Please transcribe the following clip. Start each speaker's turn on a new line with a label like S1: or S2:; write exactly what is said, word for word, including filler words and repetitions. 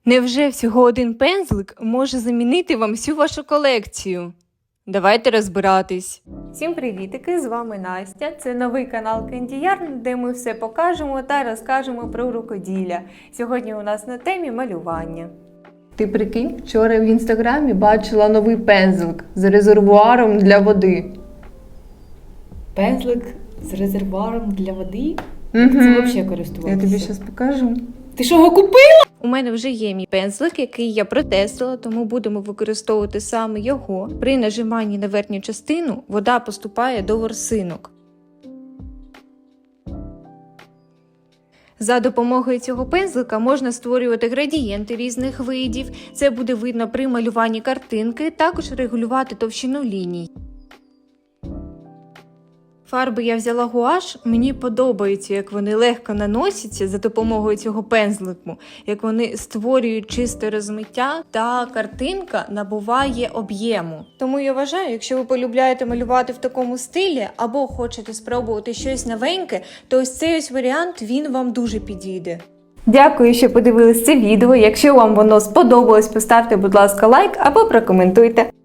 S1: Невже всього один пензлик може замінити вам всю вашу колекцію? Давайте розбиратись.
S2: Всім привітики, з вами Настя. Це новий канал Candy Yarn, де ми все покажемо та розкажемо про рукоділля. Сьогодні у нас на темі малювання.
S3: Ти прикинь, вчора в інстаграмі бачила новий пензлик з резервуаром для води.
S4: Пензлик з резервуаром для води?
S3: Угу.
S4: Це взагалі користуватися?
S3: Я тобі зараз покажу.
S4: Ти що, його купила?
S1: У мене вже є мій пензлик, який я протестила, тому будемо використовувати саме його. При нажиманні на верхню частину вода поступає до ворсинок. За допомогою цього пензлика можна створювати градієнти різних видів. Це буде видно при малюванні картинки, також регулювати товщину ліній. Фарби я взяла гуаш, мені подобається, як вони легко наносяться за допомогою цього пензлику, як вони створюють чисте розмиття та картинка набуває об'єму. Тому я вважаю, якщо ви полюбляєте малювати в такому стилі або хочете спробувати щось новеньке, то ось цей ось варіант, він вам дуже підійде.
S2: Дякую, що подивились це відео. Якщо вам воно сподобалось, поставте, будь ласка, лайк або прокоментуйте.